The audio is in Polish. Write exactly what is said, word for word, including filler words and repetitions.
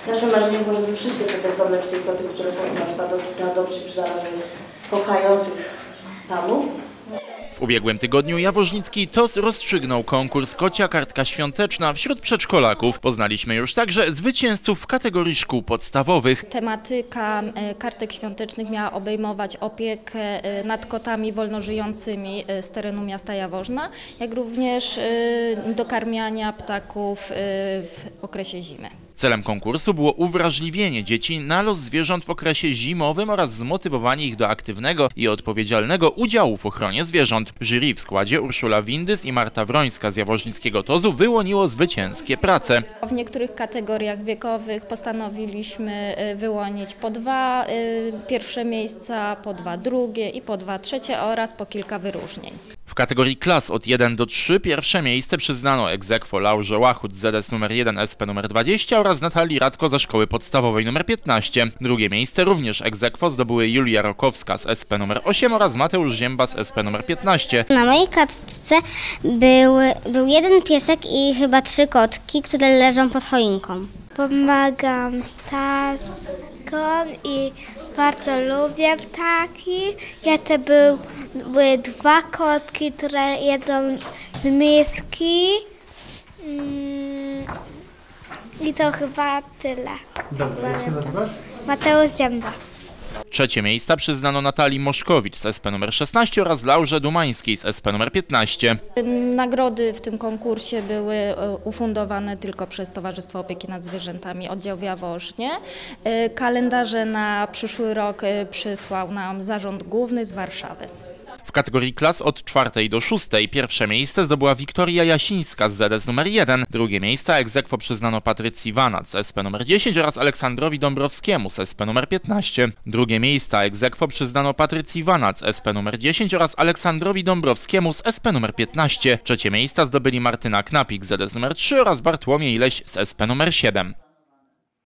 Naszym marzeniem było, żeby wszystkie te bezdomne psy i koty, które są u nas na adopcji, znalazły kochających panów. W ubiegłym tygodniu jaworznicki T O S rozstrzygnął konkurs Kocia Kartka Świąteczna wśród przedszkolaków. Poznaliśmy już także zwycięzców w kategorii szkół podstawowych. Tematyka kartek świątecznych miała obejmować opiekę nad kotami wolnożyjącymi z terenu miasta Jaworzna, jak również dokarmiania ptaków w okresie zimy. Celem konkursu było uwrażliwienie dzieci na los zwierząt w okresie zimowym oraz zmotywowanie ich do aktywnego i odpowiedzialnego udziału w ochronie zwierząt. Jury w składzie Urszula Windys i Marta Wrońska z jaworznickiego T O Z-u wyłoniło zwycięskie prace. W niektórych kategoriach wiekowych postanowiliśmy wyłonić po dwa pierwsze miejsca, po dwa drugie i po dwa trzecie oraz po kilka wyróżnień. W kategorii klas od jeden do trzech pierwsze miejsce przyznano ex aequo Laurze Łachut z Z S numer jeden S P numer dwadzieścia oraz Natalii Radko ze szkoły podstawowej numer piętnaście. Drugie miejsce również ex aequo zdobyły Julia Rokowska z S P numer osiem oraz Mateusz Zięba z S P numer piętnaście. Na mojej kartce był, był jeden piesek i chyba trzy kotki, które leżą pod choinką. Pomagam taskom i bardzo lubię ptaki. Jeszcze był, były dwa kotki, które jedzą z miski. Mm, I to chyba tyle. Dobra, jak się nazywasz? Mateusz Zięba. Trzecie miejsca przyznano Natalii Moszkowicz z S P numer szesnaście oraz Laurze Dumańskiej z S P numer piętnaście. Nagrody w tym konkursie były ufundowane tylko przez Towarzystwo Opieki nad Zwierzętami Oddział w Jaworznie. Kalendarze na przyszły rok przysłał nam Zarząd Główny z Warszawy. W kategorii klas od czwartej do szóstej pierwsze miejsce zdobyła Wiktoria Jasińska z Z S numer jeden. Drugie miejsce ex aequo przyznano Patrycji Wanat z S P numer dziesięć oraz Aleksandrowi Dąbrowskiemu z S P numer piętnaście. Drugie miejsce ex aequo przyznano Patrycji Wanat z S P numer dziesięć oraz Aleksandrowi Dąbrowskiemu z S P numer piętnaście. Trzecie miejsca zdobyli Martyna Knapik z Z S numer trzy oraz Bartłomiej Leś z S P numer siedem.